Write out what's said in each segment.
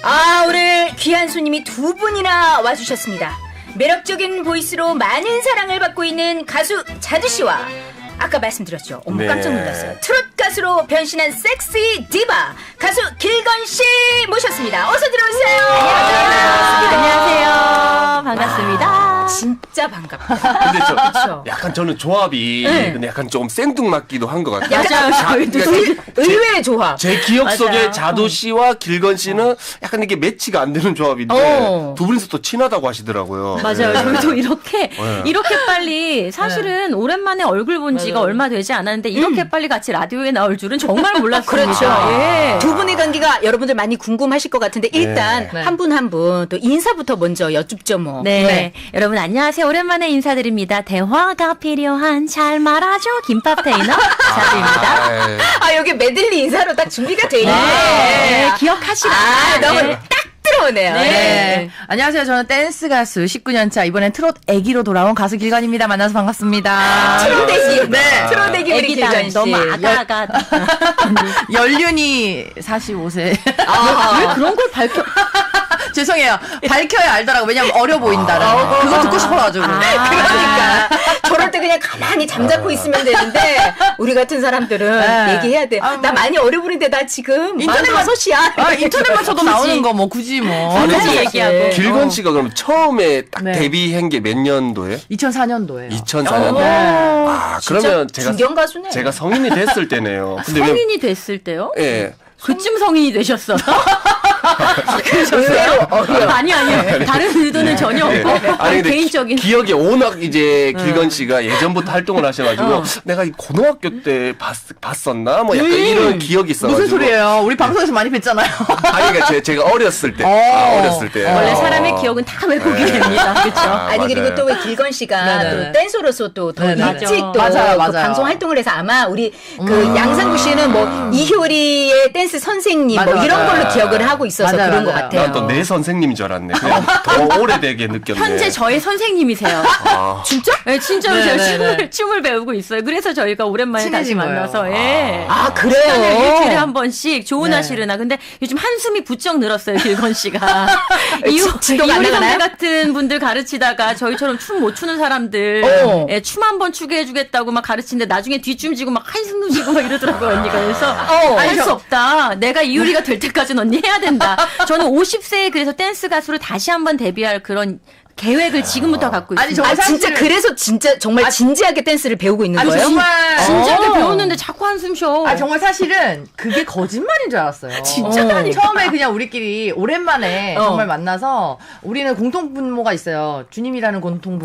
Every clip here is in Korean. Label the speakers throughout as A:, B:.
A: 오늘 귀한 손님이 두 분이나 와주셨습니다. 매력적인 보이스로 많은 사랑을 받고 있는 가수 자두씨와 아까 말씀드렸죠. 어머
B: 네.
A: 깜짝 놀랐어요. 트롯 가수로 변신한 섹시 디바 가수 길건씨 모셨습니다. 어서 들어오세요.
C: 안녕하세요. 반갑습니다.
A: 진짜 반갑다.
B: 근데
A: 그쵸?
B: 약간 저는 조합이
A: 네.
B: 근데 약간 좀 생뚱맞기도 한 것 같아요.
A: 약간 의외의 조합.
B: 제 기억
C: 맞아요.
B: 속에 자도 씨와 길건 씨는 약간 이게 매치가 안 되는 조합인데 두 분이서 또 친하다고 하시더라고요.
C: 맞아요.
B: 네.
C: 저희도 이렇게
B: 네.
C: 빨리 사실은 오랜만에 얼굴 본 지가 얼마 되지 않았는데 이렇게 빨리 같이 라디오에 나올 줄은 정말 몰랐습니다.
A: 그렇죠.
C: 예.
A: 두 분의 관계가 여러분들 많이 궁금하실 것 같은데 일단
C: 네.
A: 한 분 한 분 또 인사부터 먼저 여쭙죠 뭐.
C: 네. 여러분 안녕하세요. 오랜만에 인사드립니다. 대화가 필요한 잘 말아줘 김밥 테이너 자두입니다.
A: 여기 메들리 인사로 딱 준비가 돼 있네.
C: 네. 기억하시라.
A: 너무
C: 네.
A: 딱 들어오네요.
D: 네. 안녕하세요. 저는 댄스 가수 19년차 이번엔 트롯 애기로 돌아온 가수 길건입니다. 만나서 반갑습니다.
A: 트롯 애기.
D: 네.
A: 트롯 애기 우리
C: 애기다.
A: 길건 씨.
C: 너무 아가아가.
D: 연륜이 45세.
C: 왜 그런 걸 밝혀?
D: 죄송해요. 밝혀야 알더라고. 왜냐면 어려 보인다라는. 그거 듣고 싶어가지고.
A: 그러니까 저럴 때 그냥 가만히 잠자코 있으면 되는데 우리 같은 사람들은
D: 네.
A: 얘기해야 돼. 나 많이 어려 보이는데 나 지금
D: 인터넷만
A: 45이야.
D: 인터넷만 쳐도 나오는 거 뭐 굳이 뭐.
B: 아니,
C: 굳이 얘기하고.
B: 길건 씨가 그럼 처음에 딱
D: 네.
B: 데뷔한 게 몇 년도에?
D: 2004년도에요.
B: 2004년도.
D: 네.
B: 그러면
A: 중견 가수네.
B: 제가 성인이 됐을 때네요. 근데
C: 성인이 됐을 때요?
B: 예.
C: 그쯤 성인이 되셨어.
A: 의외로 어려.
C: 아니요. 다른 의도는 전혀
B: 예.
C: 없고
B: 아니 근데
C: 개인적인.
B: 기억에 워낙 이제 길건 씨가 예전부터 활동을 하셔가지고 내가 이 고등학교 때 봤었나 뭐 약간 이런 기억이 있어가지고
D: 무슨 소리예요? 우리 방송에서 많이 뵀잖아요.
B: 아니 그러니까 제가 어렸을 때 어렸을 때
C: 원래 사람의 기억은 다 왜곡이 됩니다. 그렇죠?
A: 아니
B: 맞아요.
A: 그리고 또 왜 길건 씨가
D: 네네네.
A: 또 댄서로서 또 더
D: 네네.
A: 일찍 또
D: 맞아요,
A: 그
D: 맞아요.
A: 방송 활동을 해서 아마 우리 그 양상구 씨는 뭐 이효리의 댄스 선생님 뭐
D: 맞아,
A: 이런
D: 맞아.
A: 걸로 기억을 하고 있어서
D: 맞아요,
A: 그런 것
D: 맞아요.
A: 같아요.
B: 난 또 내 선생님인 줄 알았네. 그냥 더 오래되게 느꼈네.
C: 현재 저의 선생님이세요.
B: 아,
A: 진짜?
C: 네, 진짜로 제가
D: 네네네.
C: 춤을 배우고 있어요. 그래서 저희가 오랜만에 다시
D: 친해진 거예요.
C: 만나서 예.
A: 아
C: 시간을
A: 그래요.
C: 일주일에 한 번씩 좋으나
D: 네.
C: 싫으나. 근데 요즘 한숨이 부쩍 늘었어요, 길건 씨가.
A: 지도가 안
C: 이효리
A: 나가나요?
C: 선배 같은 분들 가르치다가 저희처럼 춤 못 추는 사람들 예, 춤 한 번 추게 해주겠다고 막 가르치는데 나중에 뒤춤지고 막 한숨 쉬고 막 이러더라고요, 언니가. 그래서 할 수 없다. 내가 이효리가 될 때까지는 언니 해야 된다. 저는 50세에 그래서 댄스 가수로 다시 한번 데뷔할 그런 계획을 지금부터 갖고 있습니다.
D: 아니, 저
A: 아 진짜
D: 사실은-
A: 그래서 진짜 정말 진지하게 댄스를 배우고 있는
D: 아니,
A: 거예요?
D: 정말.
C: 진지하게 배웠는데 자꾸 한숨 쉬어.
D: 정말 사실은 그게 거짓말인 줄 알았어요.
A: 진짜?
D: 처음에 그냥 우리끼리 오랜만에 정말 만나서 우리는 공통분모가 있어요. 주님이라는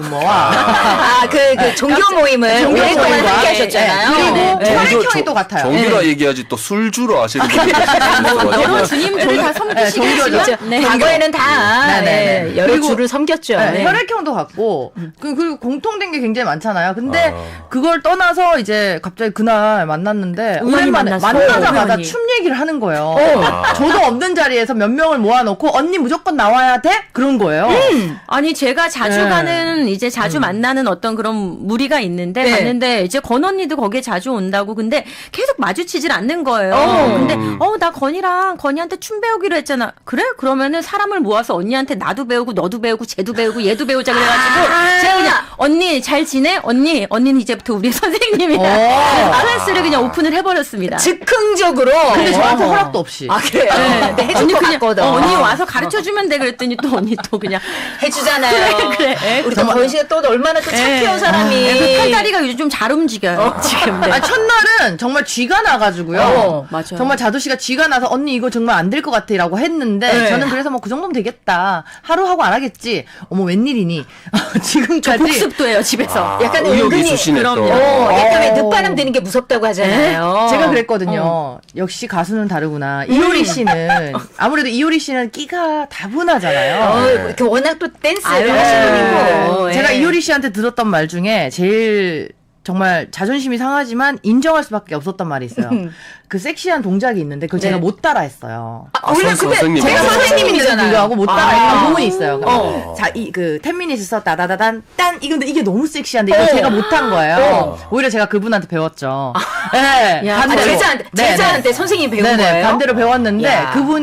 D: 공통분모와
A: 그 종교 모임을
D: 종교
A: 오랫동안
D: 모임과,
A: 함께 하셨잖아요.
D: 그리고
A: 네.
D: 혈액형이 또 같아요.
B: 정규라 얘기하지 또 술주로 아시는 분이
C: 여러 주님들을 다 섬기시고
D: 종교죠.
C: 계시죠? 네.
A: 과거에는 다
D: 네네네.
A: 네, 여러
D: 그리고-
A: 주를 섬겼죠.
D: 네,
A: 네.
D: 혈액형도 같고 그리고 공통된 게 굉장히 많잖아요. 근데 그걸 떠나서 이제 갑자기 그날 만났는데
C: 우연히
D: 오랜만에
C: 만났어요.
D: 만나자마자
C: 우연히.
D: 춤 얘기를 하는 거예요. 저도 없는 자리에서 몇 명을 모아놓고 언니 무조건 나와야 돼? 그런 거예요.
C: 아니 제가 자주
D: 네.
C: 가는 이제 자주 만나는 어떤 그런 무리가 있는데
A: 네.
C: 갔는데 이제 건 언니도 거기에 자주 온다고 근데 계속 마주치질 않는 거예요. 근데 나 건이랑 건이한테 춤 배우기로 했잖아. 그래? 그러면은 사람을 모아서 언니한테 나도 배우고 너도 배우고 쟤도 배우고 얘도 배우자 그래가지고 제가 그냥 언니 잘 지내? 언니는 이제부터 우리 선생님이야. 클래스를 그냥 오픈을 해버렸습니다.
A: 즉흥적으로.
D: 근데 저한테 허락도 없이.
A: 아 그래요? 근데 해줄
C: 언니
A: 것
C: 그냥
A: 같거든.
C: 언니 와서 가르쳐 주면 돼 그랬더니 또 언니 또 그냥
A: 해주잖아요.
C: 그래.
A: 우리 건 씨가 또 얼마나 또 착해요 사람이.
C: 그 팔다리가 요즘 좀 잘 움직여요. 지금. 네.
D: 첫날은 정말 쥐가 나가지고요.
C: 맞아요.
D: 정말 자두 씨가 쥐가 나서 언니 이거 정말 안 될 것 같아라고 했는데
A: 네.
D: 저는 그래서 뭐 그 정도면 되겠다. 하루 하고 안 하겠지. 어머 웬일이니? 지금까지
C: 복습도 해요 집에서.
A: 약간
B: 의욕이
A: 은근히
B: 있으시네 또.
A: 약간 왜 늦바람 드는 게 무섭다고 하잖아요.
D: 제가 그랬거든요. 역시 가수는 다르구나. 이효리 씨는 아무래도 이효리 씨는 끼가 다분하잖아요.
A: 이렇게 워낙 또 댄스를
C: 아유,
A: 하시는 분이고.
D: 제가
A: 예.
D: 이효리 씨한테 들었던 말 중에 제일 정말 자존심이 상하지만 인정할 수밖에 없었던 말이 있어요. 그 섹시한 동작이 있는데 그걸 제가 못 따라했어요.
A: 원래 근데
B: 선생님.
A: 제가 선생님이잖아요.
D: 불구하고 못 따라했던 부분이 있어요. 자, 그 10미닛에서 따다다단 딴 이건데 이게 너무 섹시한데 이거 제가 못한 거예요. 오히려 제가 그분한테 배웠죠. 네,
C: 야,
D: 반대로.
A: 제자한테
D: 네, 네.
A: 선생님이 배운
D: 네네,
A: 거예요?
D: 반대로 배웠는데
A: 야.
D: 그분이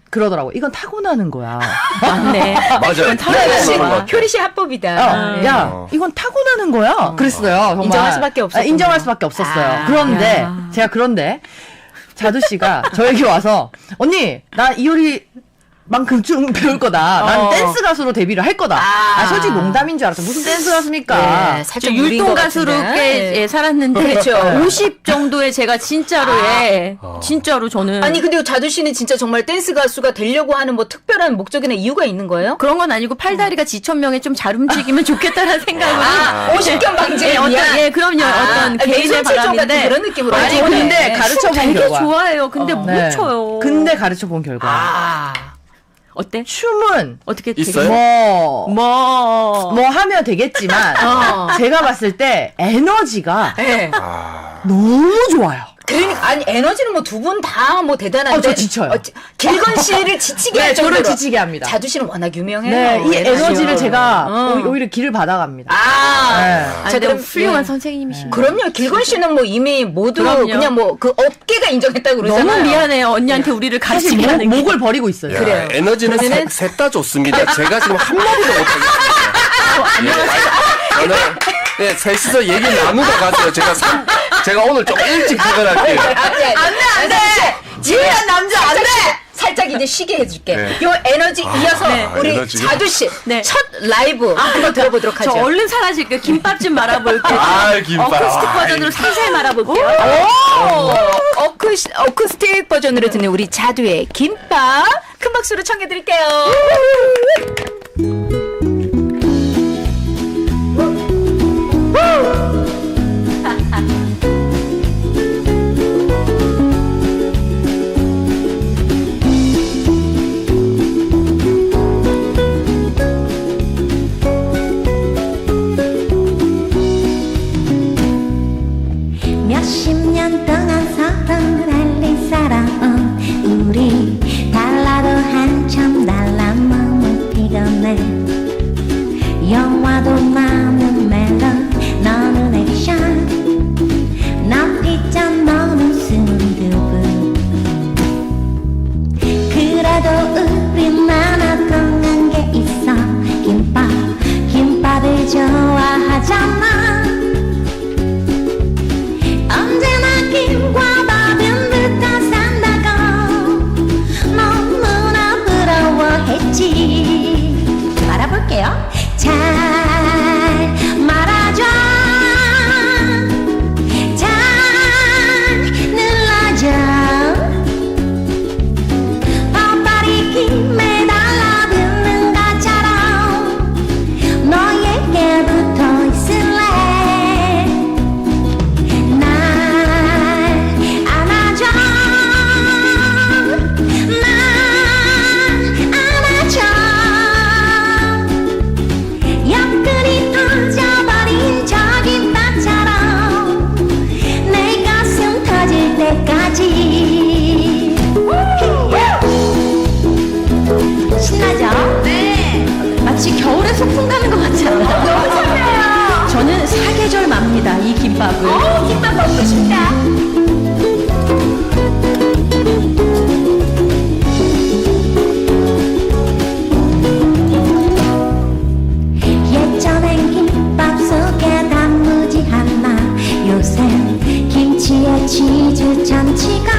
D: 그러더라고. 이건 타고나는 거야.
C: 맞네.
B: 맞아요.
A: 효리
B: 맞아요.
A: 효리 씨 합법이다.
D: 야, 이건 타고나는 거야. 그랬어요. 정말.
A: 인정할 수밖에 없었군요.
D: 인정할 수밖에 없었어요.
A: 아,
D: 그런데
C: 야.
D: 제가 자두 씨가 저에게 와서 언니 나 이효리 만큼 좀 배울 거다. 난 댄스 가수로 데뷔를 할 거다.
A: 아.
D: 솔직히 농담인 줄 알았어. 무슨 댄스 가수입니까?
A: 네,
C: 저
A: 살짝 무리인
C: 율동
A: 것
C: 가수로
A: 같은데.
C: 꽤
A: 네.
C: 살았는데
A: 그렇죠.
C: 50 정도에 제가 진짜로 진짜로 저는
A: 아니 근데 자두 씨는 진짜 정말 댄스 가수가 되려고 하는 뭐 특별한 목적이나 이유가 있는 거예요?
C: 그런 건 아니고 팔다리가 지천명에 좀 잘 움직이면 좋겠다는 생각으로
A: 아, 50견 방지에
C: 어떤
A: 위한.
C: 그럼요 어떤 개인의
A: 뇌손 체조 같은
C: 바람인데
A: 그런 느낌으로.
D: 아니,
A: 하는 거네.
D: 근데 가르쳐 본
C: 되게
D: 결과.
C: 좋아해요. 근데 못
D: 네.
C: 춰요.
D: 근데 가르쳐 본 결과.
A: 아.
C: 어때?
D: 춤은
C: 어떻게
B: 있어요?
D: 뭐 하면 되겠지만 제가 봤을 때 에너지가
A: 네.
D: 너무 좋아요.
A: 그러니까 아니 에너지는 뭐 두 분 다 뭐 대단한데.
D: 저 지쳐요.
A: 길건 씨를 지치게
D: 네,
A: 할 정도로.
D: 저를 지치게 합니다.
A: 자두 씨는 워낙 유명해요.
D: 네, 이 에너지를 제가
A: 어.
D: 오히려 길을 받아갑니다.
A: 아.
D: 네.
C: 아,
A: 자,
C: 근데
A: 그럼
C: 훌륭한
A: 예.
C: 선생님이시네.
A: 그럼요. 길건 씨는 뭐 이미 모두
C: 그럼요.
A: 그냥 뭐 그 업계가 인정했다고 그러잖아요.
C: 너무 미안해요. 언니한테 우리를
D: 사실
C: 가르치게 하는 게.
D: 목을 버리고 있어요.
B: 야,
A: 그래요.
B: 에너지는
A: 그러면은-
B: 셋 다 좋습니다. 제가 지금 한마디도 못하겠어요. 저는 네, 셋이서 얘기 나누다 가세요. 제가 오늘 좀 일찍 퇴근할게요.
A: 안 돼. 지혜한 남자 안 돼. 살짝 이제 쉬게 해줄게.
B: 네.
A: 요 에너지 이어서 우리
B: 에너지요?
A: 자두 씨
C: 네.
A: 첫 라이브 한번 들어보도록
C: 저
A: 하죠.
C: 얼른 사라질게요. 김밥 좀 말아볼게요.
B: 아, 김밥.
C: 어쿠스틱 버전으로 살살 말아볼게요.
A: 어쿠스틱 버전으로 듣는 우리 자두의 김밥 큰 박수로 청해드릴게요.
E: 몇십 년 동안 서로 달린 사랑은 우리 달라도 한참 달라 몸을 피곤해 영화도 많은 멜론 너는 액션 난 피자 너는 순두부 그래도 우린 하나 통한 게 있어 김밥을 좋아하잖아 언제나 김과 밥은 붙어 산다고 너무나 부러워했지 말아볼게요 잘 말아줘 잘 눌러줘 뻔뻔히 김에 달라붙는 것처럼 너에게 붙어 있을래 날 안아줘 날 안아줘 옆구리 터져버린 저 김밥처럼 내 가슴 터질 때까지 신나죠? 네
C: 마치 겨울에 소풍 가는 것 같지 않아요?
A: 너무 설레요.
C: 저는 사계절 맙니다. 이 김밥을.
A: 김밥 먹고 싶다.
E: 예전엔 김밥 속에 단무지 하나 요샌 김치에 치즈 참치가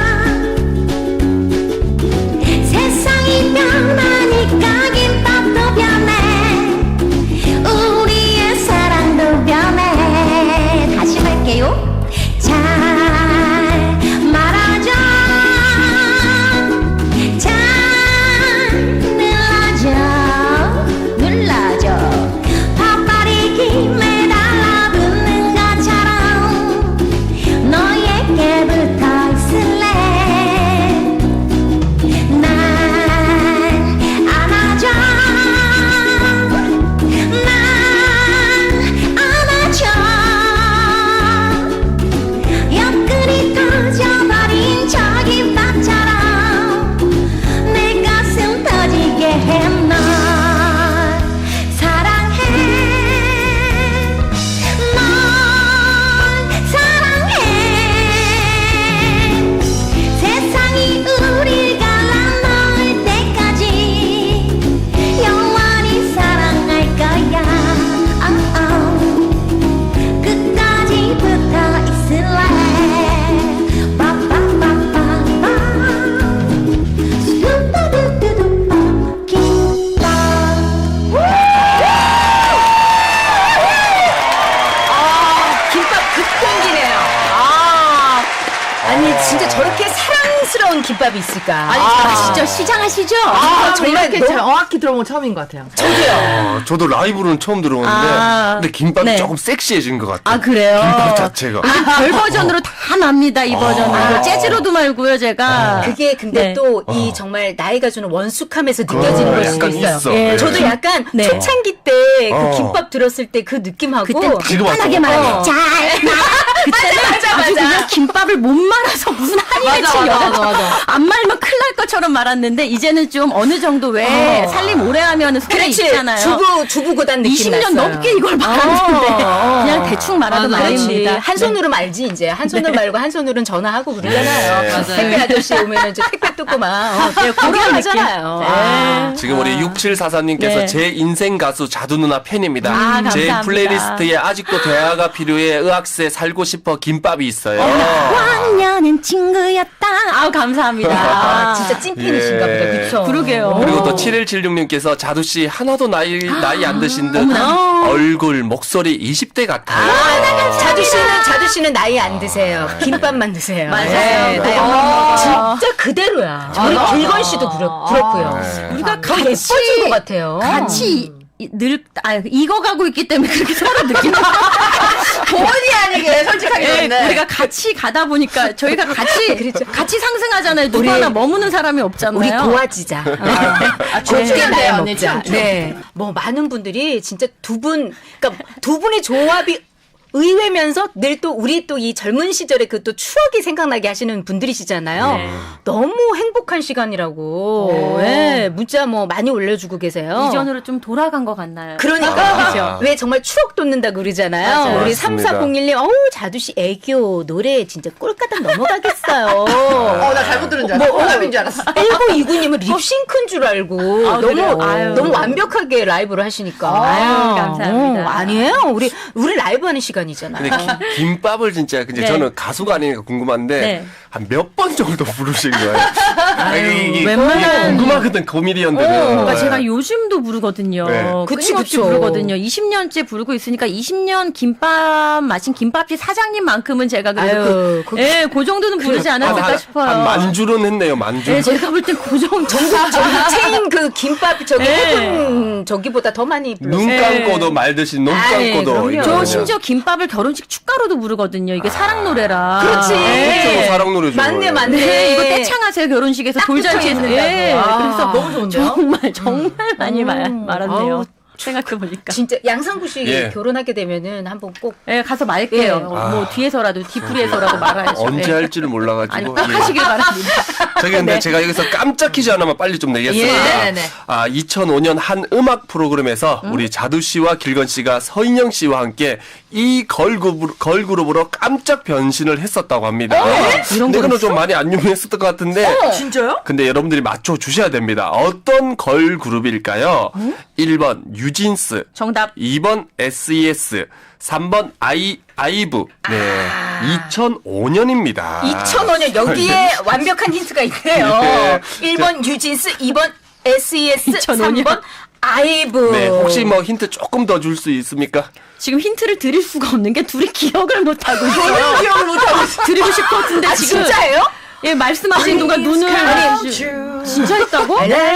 E: 세상이 변하니까 김밥도 변해 우리의 사랑도 변해 다시 할게요 잘
A: 김밥이 있을까?
C: 아시죠? 시장하시죠?
D: 정말 이렇게
A: 너무-
D: 정확히 들어본 건 처음인 것 같아요.
B: 저도 라이브로는 처음 들어봤는데 근데 김밥이
C: 네.
B: 조금 섹시해진 것 같아요.
C: 아, 그래요?
B: 김밥 자체가.
C: 별 버전으로 다 납니다, 이 버전은. 이거 재즈로도 말고요, 제가.
A: 그게 근데
C: 네.
A: 또 이 정말 나이가 주는 원숙함에서 느껴지는 걸 수도
B: 약간
A: 있어요.
B: 있어.
C: 예,
B: 네.
A: 저도 약간
C: 네.
A: 초창기 때 그 김밥 들었을 때 그 느낌하고
C: 그때
B: 지금
C: 간단하게
B: 왔어.
C: 말하면 잘 그때는
A: 맞아,
C: 아주
A: 맞아.
C: 그냥 김밥을 못 말아서 무슨 한이 맺힌 여자처럼 안 말면 큰일 날 것처럼 말았는데 이제는 좀 어느 정도 왜 살림 오래 하면 소리
A: 그렇지
C: 있잖아요.
A: 주부 고단 느낌
C: 20년
A: 났어요.
C: 넘게 이걸 말하는데 그냥 대충 말하도
A: 그렇지.
C: 말입니다.
A: 한 손으로 말지 이제 한 손으로 말고 한 손으로는 전화하고 그러잖아요.
B: 네.
D: 맞아요.
A: 택배 아저씨 오면 이제 택배 뜯고만 그런 하잖아요.
B: 지금 우리 6744님께서
C: 네.
B: 제 인생 가수 자두 누나 팬입니다.
C: 아,
B: 제
C: 감사합니다.
B: 플레이리스트에 아직도 대화가 필요해 의학세 살고 싶어 김밥이 있어요.
C: 왕년은 친구였다. 아우 감사합니다.
A: 아, 진짜 찐팬이신가 보다.
C: 네.
A: 그쵸?
C: 그러게요.
B: 그리고 또 7176님께서 자두 씨 하나도 나이 안 드신 듯 얼굴 목소리 20대 같아요.
A: 자두 씨는 나이 안 드세요. 김밥만 드세요.
C: 맞아요.
A: 네, 나이 진짜 그대로야. 우리 길건 씨도 그렇고요.
C: 우리가
A: 더 예뻐진 것 같아요.
C: 같이 익어가고 있기 때문에 그렇게 서로 느낀다.
D: 본의 아니게 솔직하게
C: 네,
D: 그랬네.
C: 우리가 같이 가다 보니까 저희가
A: 그렇죠.
C: 같이 상승하잖아요. 누구 하나 머무는 사람이 없잖아요.
A: 우리 도와지자.
D: 춥게
A: 네,
D: 나요, 언니.
A: 먹자.
D: 춤.
A: 네. 뭐 많은 분들이 진짜 그러니까 두 분의 조합이 의외면서 늘 또 우리 또 이 젊은 시절의 그 또 추억이 생각나게 하시는 분들이시잖아요.
C: 네.
A: 너무 행복한 시간이라고. 네, 문자 뭐 많이 올려주고 계세요.
C: 이전으로 좀 돌아간 것 같나요?
A: 그러니까 왜 정말 추억 돋는다 그러잖아요.
C: 맞아요.
A: 우리
B: 맞습니다.
A: 3401님 어우 자두씨 애교 노래 진짜 꼴까닥 넘어가겠어요.
D: 나 잘못 들은 줄 알았어. 호감인 줄 알았어.
A: 1929님은 립싱크인 줄 알고
C: 그래요? 아유.
A: 너무 완벽하게 라이브를 하시니까.
C: 아유, 감사합니다.
A: 아니에요. 우리 라이브 하는 시간이잖아요.
B: 근데 김밥을 진짜 근데
C: 네.
B: 저는 가수가 아니니까 궁금한데
C: 네.
B: 한 몇 번 정도 부르신 거예요? 이게
C: 웬만한-
B: 궁금하거든 코미디언들은.
C: 그러니까 제가 요즘도 부르거든요.
B: 네.
A: 그치,
C: 끊임없이
A: 그쵸.
C: 부르거든요. 20년째 부르고 있으니까 20년 김밥 마신 김밥집 사장님만큼은 제가
A: 아유,
C: 그래도 예, 그 정도는 부르지 않았을까 싶어요.
B: 한 만주는 했네요, 만주.
C: 네, 제가 볼 땐 그 정도.
A: 저기 체인 그 김밥 저기 해군 저기보다 더 많이 불렀어요.
B: 눈 감고도 말 듯이 눈
A: 아이,
B: 감고도.
A: 그럼요.
B: 이거거든요.
C: 저 심지어 김밥을 결혼식 축가로도 부르거든요. 이게 사랑 노래라.
A: 그렇지.
B: 그렇죠, 사랑 노래죠.
A: 맞네, 맞네.
C: 네, 이거 떼창하세요 결혼식에서 돌잔치에서. 예, 그래서
D: 너무 좋은데요?
C: 정말 많이 말았네요.
A: 아우,
C: 생각해 보니까.
A: 진짜 양상구 씨
B: 예.
A: 결혼하게 되면은 한번 꼭
C: 예, 가서 말게요.
A: 예.
C: 뭐 뒤에서라도 뒤풀이에서라도 말아야죠.
B: 언제
C: 예.
B: 할지를 몰라가지고.
C: 아니 꼭
B: 예.
C: 하시길 바랍니다.
B: 저기 근데 제가 여기서 깜짝 퀴즈 하나만 빨리 좀 내겠습니다.
D: 예, 네네.
B: 2005년 한 음악 프로그램에서 우리 자두 씨와 길건 씨가 서인영 씨와 함께 이 걸그룹으로 깜짝 변신을 했었다고 합니다.
C: 이런
B: 근데
C: 거
B: 이거는 좀 많이 안 유명했었던 것 같은데.
D: 진짜요?
B: 근데 여러분들이 맞춰 주셔야 됩니다. 어떤 걸그룹일까요? 1번 유진스,
C: 정답.
B: 2번 SES, 3번 아이브. 네. 2005년입니다.
A: 2005년 여기에 완벽한 힌트가 있네요.
B: 예.
A: 1번 유진스, 2번 SES,
C: 2005년.
A: 3번 아이브.
B: 네, 혹시 뭐 힌트 조금 더 줄 수 있습니까?
C: 지금 힌트를 드릴 수가 없는 게 둘이 기억을 못 하고 있어요.
D: 기억을 못하고 있어.
C: 드리고 싶었는데
A: 아,
C: 지금
A: 진짜예요?
C: 예 말씀하시는 동안 눈을 진짜 했다고?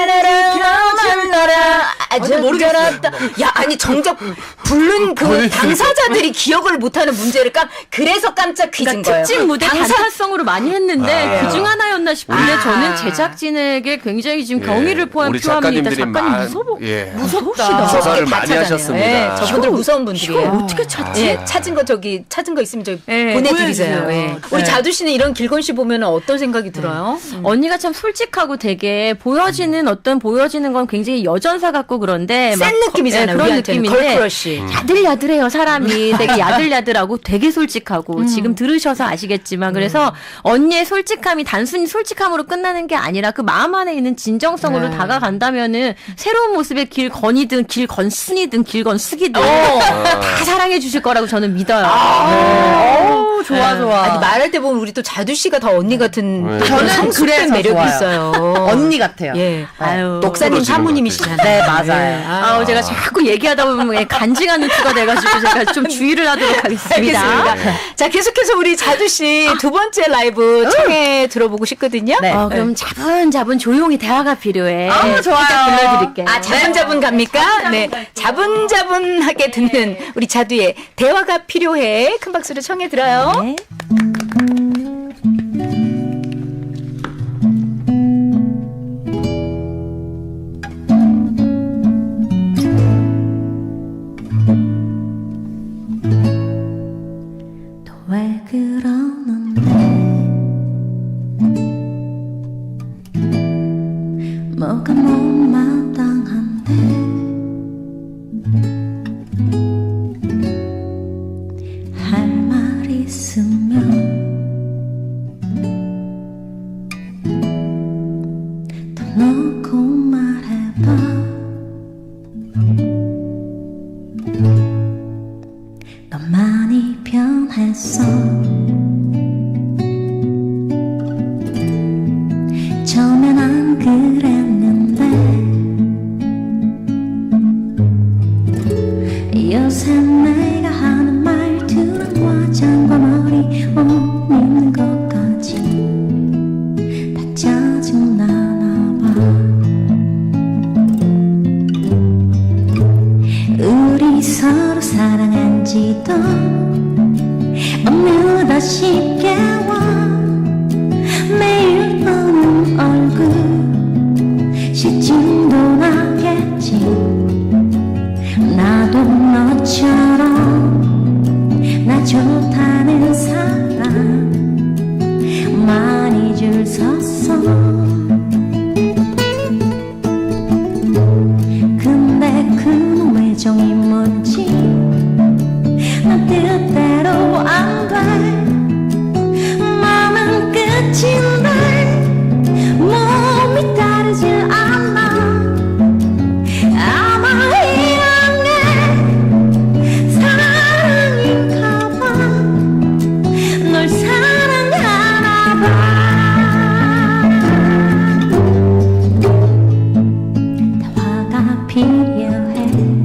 A: 모르겠다. 야, 아니 정작 부른 그 당사자들이 기억을 못하는 문제를 그래서 깜짝 퀴즈인
C: 그러니까
A: 거예요.
C: 특집 무대 단타성으로 많이 했는데 그중 하나였나 싶은데
A: 아.
C: 저는 제작진에게 굉장히 지금 경의를
B: 우리
C: 표합니다.
B: 작가님들이
C: 작가님 무서워.
A: 무섭다.
B: 조사를
A: 다
B: 많이
A: 찾아내요.
B: 하셨습니다.
A: 네, 저분들 무서운 분들이에요.
C: 이걸 어떻게 찾지?
A: 예, 찾은 거 있으면 저희
C: 예,
A: 보내드리세요.
C: 보내주세요.
A: 예. 우리
C: 네.
A: 자두 씨는 이런 길건 씨 보면 어떤 생각이 들어요?
C: 언니가 참 솔직하고 되게 보여지는 건 굉장히 여전사 같고 그런데
A: 센 느낌이잖아요.
C: 그런
A: 우리한테는
C: 느낌인데
A: 걸크러쉬.
C: 야들야들해요 사람이 되게 야들야들하고 되게 솔직하고 지금 들으셔서 아시겠지만 그래서 언니의 솔직함이 단순히 솔직함으로 끝나는 게 아니라 그 마음 안에 있는 진정성으로 다가간다면은 새로운 모습의 길건이든 길건순이든 길건숙이든 다 사랑해 주실 거라고 저는 믿어요.
D: 좋아, 좋아.
A: 아니, 말할 때 보면 우리 또 자두 씨가 더 언니 같은
B: 네.
A: 또
D: 저는
A: 성숙한
D: 그래서
A: 매력이
D: 좋아요.
A: 있어요.
D: 언니 같아요.
A: 예.
C: 아유.
A: 목사님
B: 똑부러지는
A: 사모님이시잖아요.
D: 네, 맞아요.
A: 예.
C: 아우, 제가 자꾸 얘기하다 보면 간지가 누트가 돼가지고 제가 좀 주의를 하도록 하겠습니다.
A: 알겠습니다. 자, 계속해서 우리 자두 씨 두 번째 라이브 청해 들어보고 싶거든요.
D: 네.
C: 그럼 자분자분 조용히 대화가 필요해.
D: 좋아요.
C: 살짝 불러드릴게요.
A: 아, 자분자분 갑니까? 네. 자분자분하게 듣는 우리 자두의 대화가 필요해. 큰 박수로 청해 들어요.
C: 네.
E: 왜 그러는데 뭐가 못마땅한데 할 말 있으면 더 놓고 말해봐 너 많이 변했어 처음엔 안 그랬는데 요새 내가 하는 말들은 화장과 머리 옷 입는 것까지 다 짜증나나 봐 우리 서로 사랑한 지도 어느덧 쉽게 와 매일 보는 얼굴 시침도 나겠지 나도 너처럼 나 좋다는 사람 많이 줄 섰어 근데 그놈의 정이 뭔지 나 뜻대로 안 돼 마음은 끝인데 몸이 따르질 않아 아마 이런 게 사랑인가 봐널 사랑하나 봐 대화가 필요해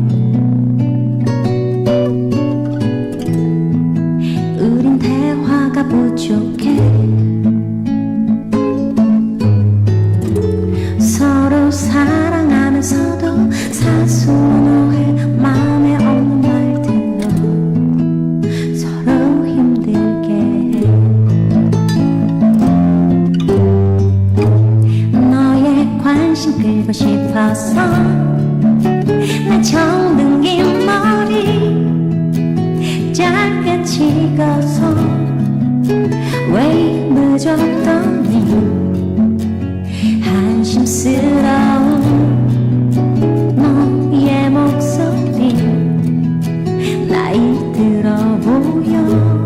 E: 우린 대화가 부족해 서로 사랑하면서도 사소한 오해 마음에 없는 말들로 서로 힘들게 해 너의 관심 끌고 싶어서 내 정든 긴 머리 짧게 찍어서 왜 늦었더니 한심스러운 너의 목소리 나이 들어 보여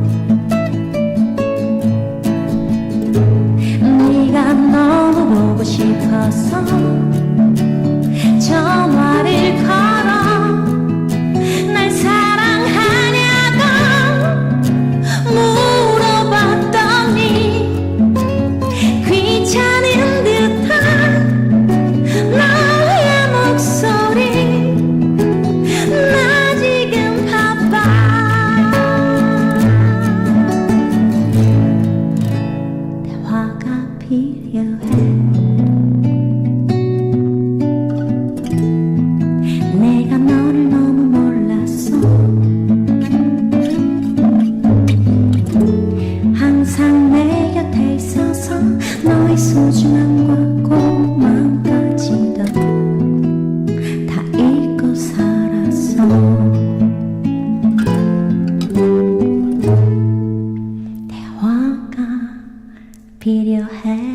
E: 네가 너무 보고 싶어서 전화를 걸어 날 사랑하냐고 물어봤더니 귀찮은 듯한 너의 목소리 나 지금 바빠 대화가 필요해 내가 너를 너무 몰랐어 항상 내 곁에 있어서 너의 소중함과 고마움까지도 다 잊고 살았어 대화가 필요해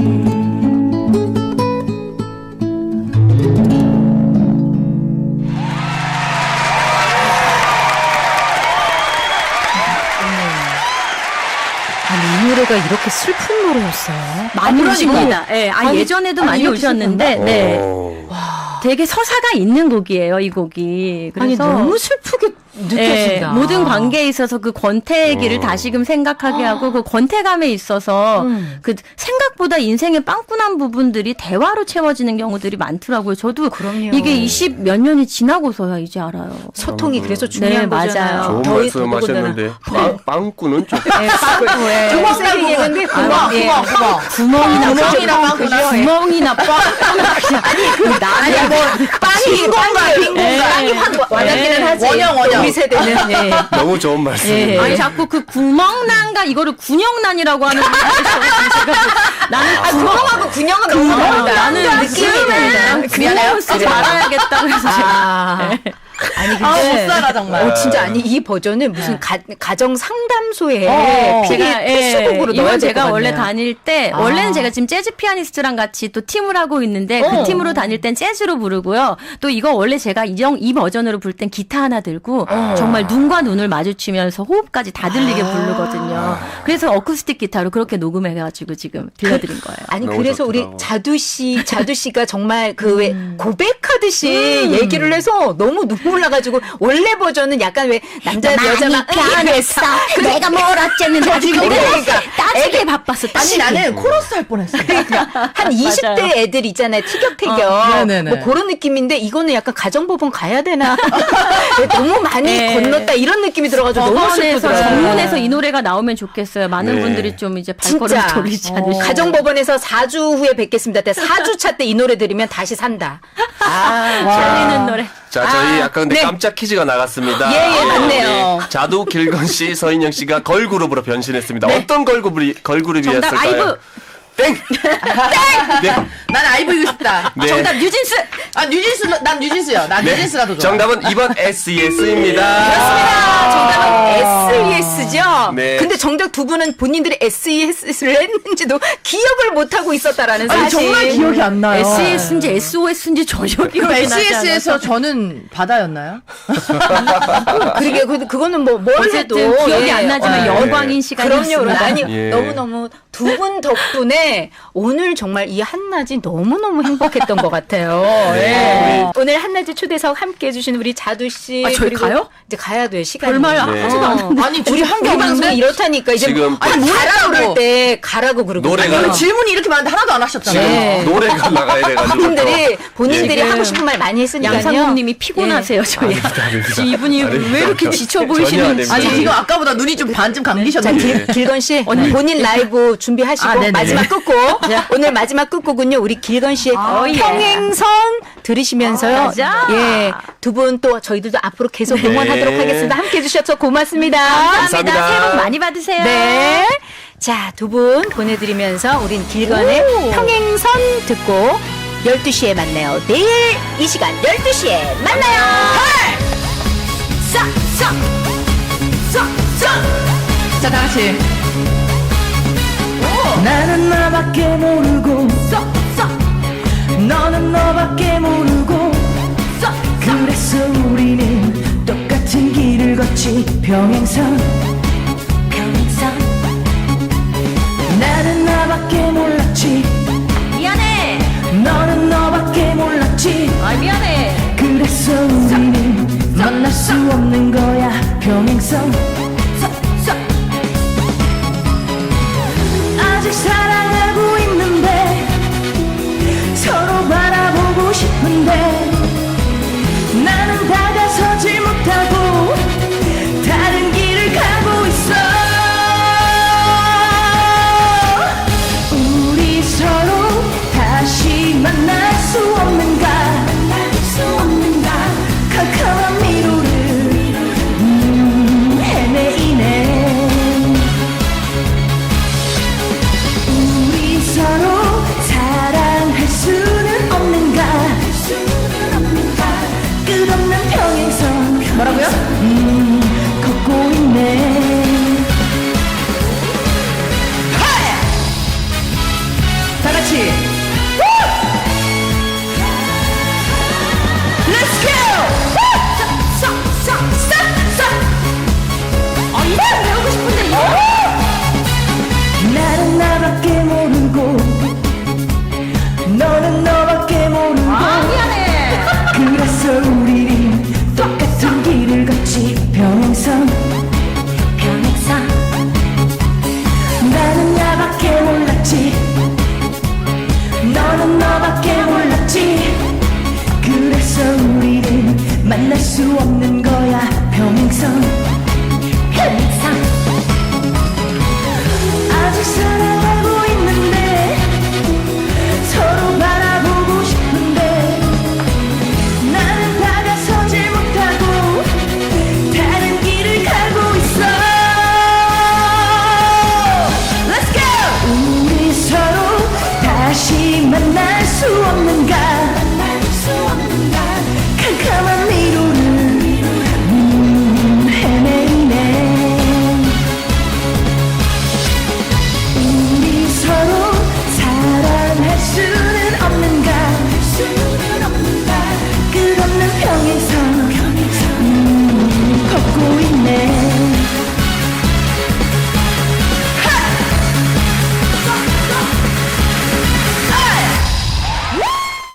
A: 아니, 이 노래가 이렇게 슬픈 노래였어요.
C: 많이
D: 그러니까.
C: 우십니다. 예,
A: 아니,
C: 예전에도
A: 아니,
C: 많이
A: 이렇게
C: 우셨는데, 네.
B: 오.
C: 되게 서사가 있는 곡이에요, 이 곡이. 그래서
A: 아니, 너무 슬프게 느꼈습니다.
C: 모든 관계에 있어서 그 권태기를 다시금 생각하게 하고 그 권태감에 있어서 그 생각보다 인생의 빵꾸난 부분들이 대화로 채워지는 경우들이 많더라고요. 저도
A: 그럼요.
C: 이게 20 몇 년이 지나고서야 이제 알아요.
A: 소통이 그래서 중요한
C: 네,
A: 거잖아요.
C: 맞아요.
B: 좋은
A: 더위
B: 말씀하셨는데 빵꾸는 좀
C: 네, 빵꾸에
A: 구멍 세게 얘기했는데
C: 구멍이나
D: 빵꾸나.
C: 구멍이나 빵꾸나 그냥 나는 뭐
A: 빵이 빵이 확 와닿기는 하지.
D: 원형.
A: 우리 세대는 예.
B: 너무 좋은 말씀입니다.
C: 아니 자꾸 그 구멍난과 이거를 군형난이라고 하는 나는
A: 구멍하고 군형은 너무 다르다.
C: 나는
A: 느낌이 다르다.
C: 구멍을 쓰지 말아야겠다 그래서 제가
A: 아니
D: 못
A: 근데
D: 살아 정말.
A: 진짜 아니 이 버전은 무슨 가정 상담소에
C: 제가
A: 필수곡으로 넣어야
C: 이건
A: 될
C: 제가
A: 것
C: 원래
A: 같네요.
C: 다닐 때 원래는 제가 지금 재즈 피아니스트랑 같이 또 팀을 하고 있는데 그 팀으로 다닐 땐 재즈로 부르고요. 또 이거 원래 제가 이 버전으로 부를 땐 기타 하나 들고 정말 눈과 눈을 마주치면서 호흡까지 다 들리게 부르거든요. 그래서 어쿠스틱 기타로 그렇게 녹음해가지고 지금 들려드린 거예요.
A: 아니
B: 너무
A: 그래서 우리
B: 좋더라고.
A: 자두 씨가 정말 그 왜 고백하듯이 얘기를 해서 너무 눈물 나가지고 원래 버전은 약간 왜 남자 여자만
C: 변했어. 내가 뭘 어쨌는데 지금
A: 그러니까
C: 따지게 바빴어.
D: 아니
C: 따지게.
D: 나는 코러스 할 뻔했어.
A: 한 20대 애들 있잖아요. 티격태격.
D: 네네네.
A: 뭐 그런 느낌인데 이거는 약간 가정법원 가야 되나. 너무 많이
C: 네.
A: 건넜다 이런 느낌이 들어가지고 너무
C: 법원에서
A: 슬프더라고요.
C: 정문에서 이 노래가 나오면 좋겠어요. 많은
B: 네.
C: 분들이 좀 이제 발걸음
A: 진짜
C: 돌리지 않으시고.
A: 가정법원에서 4주 후에 뵙겠습니다. 4주차 때 이 노래 들으면 다시 산다.
C: 살리는 노래.
B: 자, 저희 약간 근데
A: 네.
B: 깜짝 퀴즈가 나갔습니다.
A: 예, 맞네요.
B: 우리 자두 길건 씨, 서인영 씨가 걸그룹으로 변신했습니다. 어떤 걸그룹이었을까요?
C: 정답 아이브.
B: 땡! 네.
D: 난 아이브이고 싶다.
B: 네.
C: 정답 뉴진스.
D: 아 뉴진스 난 뉴진스요. 난 뉴진스가 더 좋아.
B: 정답은 2번 SES입니다.
A: 정답은 SES죠.
B: 네.
A: 근데 정작 두 분은 본인들이 SES를 했는지도 기억을 못 하고 있었다라는
D: 아니
A: 사실.
D: 정말 기억이 안 나요.
C: SES인지 SOS인지 전혀
D: 그럼
C: 기억이 나지
D: SES에서
C: 않아서.
D: 저는 바다였나요?
A: 그러게 그거는 뭘 해도
C: 어쨌든 기억이
A: 예.
C: 안 나지만
B: 네.
C: 영광인 시간이었습니다.
A: 그럼요. 아니
B: 예.
A: 너무너무 두 분 덕분에 오늘 정말 이 한낮이 너무너무 행복했던 것 같아요.
B: 네.
A: 예. 오늘 한낮의 초대석 함께 해주신 우리 자두 씨.
C: 아, 저희
A: 그리고
C: 가요?
A: 이제 가야 돼요. 시간이.
C: 별말
B: 네.
C: 하지도 않았는데.
D: 아니 둘이 한 게
A: 우리 방송이
D: 없는데
A: 이렇다니까 이제
B: 지금
A: 아니 가라
D: 했다고.
A: 그럴 때 가라고 그러고
B: 노래가
D: 아니, 질문이 이렇게 많은데 하나도 안 하셨잖아요.
A: 네.
B: 노래가 나가야 돼가지고.
A: 본인들이
B: 예.
A: 하고 싶은 말 많이 했으니까요.
C: 양상국님이 피곤하세요. 저희 이분이 왜 이렇게 지쳐 보이시는지.
B: 전혀
D: 아니
B: 아닙니다.
D: 지금 아까보다 눈이 좀 반 좀
A: 자,
D: 감기셨는데.
A: 길건 씨 본인 라이브 준비하시고
D: 아, 네네.
A: 마지막 끝곡 오늘 마지막 끝곡은요 우리 길건 씨의
C: 예.
A: 평행선 들으시면서요.
C: 맞아.
A: 예, 두 분 또 저희들도 앞으로 계속 응원하도록
B: 네.
A: 하겠습니다. 함께 해주셔서 고맙습니다.
B: 감사합니다.
C: 새해 복 많이 받으세요.
A: 네. 자, 두 분 보내드리면서 우린 길건의 평행선 듣고 12시에 만나요. 내일 이 시간 12시에 만나요.
D: 자, 다 같이. 나는 나밖에 모르고 너는 너밖에 모르고 그래서 우리는 똑같은 길을 걷지 평행선 나는 나밖에 몰랐지
C: 미안해.
D: 너는 너밖에 몰랐지
C: 아 미안해.
D: 그래서 우리는 만날 수 없는 거야 평행선 아직 사랑하고 있는데 서로 바라보고 싶은데 나는 다가서질 못하고 다른 길을 가고 있어 우리 서로 다시 만날 수 없는가 캄캄한 미로를 헤매이네
F: 만날 수 없는 거야 평생 아직 살아